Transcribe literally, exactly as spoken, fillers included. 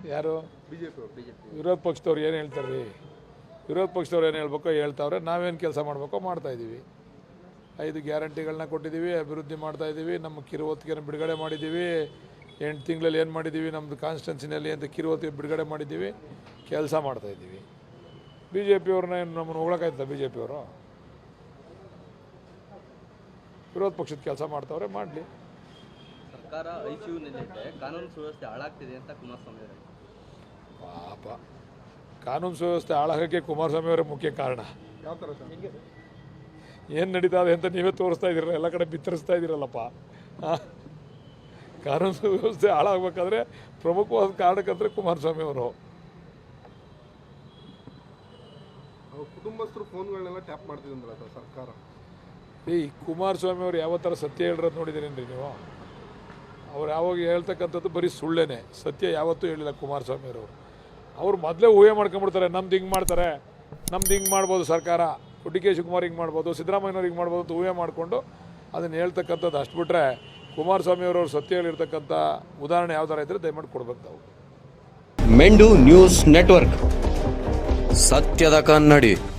ಯಾರು BJP BJP ವಿರೋಧ ಪಕ್ಷದವ್ರು ಏನು ಹೇಳ್ತಾರೆ ರೀ? ವಿರೋಧ ಪಕ್ಷದವ್ರು ಏನು ಹೇಳ್ಬೇಕೋ ಹೇಳ್ತಾವ್ರೆ, ನಾವೇನು ಕೆಲಸ ಮಾಡಬೇಕೋ ಮಾಡ್ತಾಯಿದ್ದೀವಿ. ಐದು ಗ್ಯಾರಂಟಿಗಳನ್ನ ಕೊಟ್ಟಿದ್ದೀವಿ, ಅಭಿವೃದ್ಧಿ ಮಾಡ್ತಾಯಿದ್ದೀವಿ, ನಮ್ಮ ಕಿರುವತ್ತಿಗೆನ ಬಿಡುಗಡೆ ಮಾಡಿದ್ದೀವಿ. ಎಂಟು ತಿಂಗಳಲ್ಲಿ ಏನು ಮಾಡಿದ್ದೀವಿ ನಮ್ಮದು ಕಾನ್ಸ್ಟಿಟ್ಯೂನ್ಸಿನಲ್ಲಿ ಅಂತ ಕಿರುವತ್ತಿಗೆ ಬಿಡುಗಡೆ ಮಾಡಿದ್ದೀವಿ, ಕೆಲಸ ಮಾಡ್ತಾಯಿದ್ದೀವಿ. ಬಿ ಜೆ ಪಿಯವ್ರನ್ನ ಏನು ನಮ್ಮನ್ನು ಹೊಗಳಕ್ಕಾಯ್ತದ? ಬಿ ಜೆ ಪಿಯವರು ವಿರೋಧ ಪಕ್ಷದ ಕೆಲಸ ಮಾಡ್ತಾವ್ರೆ, ಮಾಡಲಿ. ಸರ್ಕಾರ ಐಸಿಯುನಲ್ಲಿದೆ, ಕಾನೂನು ಸುವ್ಯವಸ್ಥೆ ಹಾಳಾಗ್ತಿದೆ ಅಂತ ಕುಮಾರಸ್ವಾಮಿ ಅವರು. ಪಾಪ, ಕಾನೂನು ಸುವ್ಯವಸ್ಥೆ ಹಾಳಾಗೋಕ್ಕೆ ಕುಮಾರಸ್ವಾಮಿ ಅವರೇ ಮುಖ್ಯ ಕಾರಣ. ಯಾವ ಥರ ಸರ್? ಏನು ನಡೀತಾ ಇದೆ ಅಂತ ನೀವೇ ತೋರಿಸ್ತಾ ಇದ್ದೀರಲ್ಲ, ಎಲ್ಲ ಕಡೆ ಬಿತ್ತರಿಸ್ತಾ ಇದ್ದೀರಲ್ಲಪ್ಪ. ಕಾನೂನು ಸುವ್ಯವಸ್ಥೆ ಹಾಳಾಗಬೇಕಾದ್ರೆ ಪ್ರಮುಖವಾದ ಕಾರಣಕ್ಕಂದ್ರೆ ಕುಮಾರಸ್ವಾಮಿ ಅವರು. ಕುಟುಂಬಸ್ಥರು ಫೋನ್ಗಳನ್ನೆಲ್ಲ ಟ್ಯಾಪ್ ಮಾಡ್ತಿದ್ರಲ್ಲ ಸರ್ ಸರ್ಕಾರ. ಈ ಕುಮಾರಸ್ವಾಮಿ ಅವರು ಯಾವ ಥರ ಸತ್ಯ ಹೇಳಿರೋದು ನೋಡಿದ್ದೀರೇನ್ರಿ ನೀವು? ಅವ್ರು ಯಾವಾಗ ಹೇಳ್ತಕ್ಕಂಥದ್ದು ಬರೀ ಸುಳ್ಳೇನೆ, ಸತ್ಯ ಯಾವತ್ತೂ ಹೇಳಿಲ್ಲ ಕುಮಾರಸ್ವಾಮಿ ಅವರು. ಅವ್ರು ಮೊದಲೇ ಊಹೆ ಮಾಡ್ಕೊಂಡ್ಬಿಡ್ತಾರೆ, ನಮ್ದು ಹಿಂಗೆ ಮಾಡ್ತಾರೆ, ನಮ್ದು ಹಿಂಗೆ ಮಾಡ್ಬೋದು ಸರ್ಕಾರ, ಡಿ ಕೆ ಶಿವಕುಮಾರ್ ಹಿಂಗೆ ಮಾಡ್ಬೋದು, ಸಿದ್ದರಾಮಯ್ಯವ್ರು ಹಿಂಗೆ ಮಾಡ್ಬೋದು ಅಂತ ಊಹೆ ಮಾಡಿಕೊಂಡು ಅದನ್ನು ಹೇಳ್ತಕ್ಕಂಥದ್ದು. ಅಷ್ಟು ಬಿಟ್ಟರೆ ಕುಮಾರಸ್ವಾಮಿ ಅವರವ್ರು ಸತ್ಯ ಹೇಳಿರ್ತಕ್ಕಂಥ ಉದಾಹರಣೆ ಯಾವ ಥರ ಇದ್ದರೆ ದಯಮಾಡಿ ಕೊಡ್ಬೇಕು ನಾವು. ಮೆಂಡು ನ್ಯೂಸ್ ನೆಟ್ವರ್ಕ್, ಸತ್ಯದ ಕನ್ನಡಿ.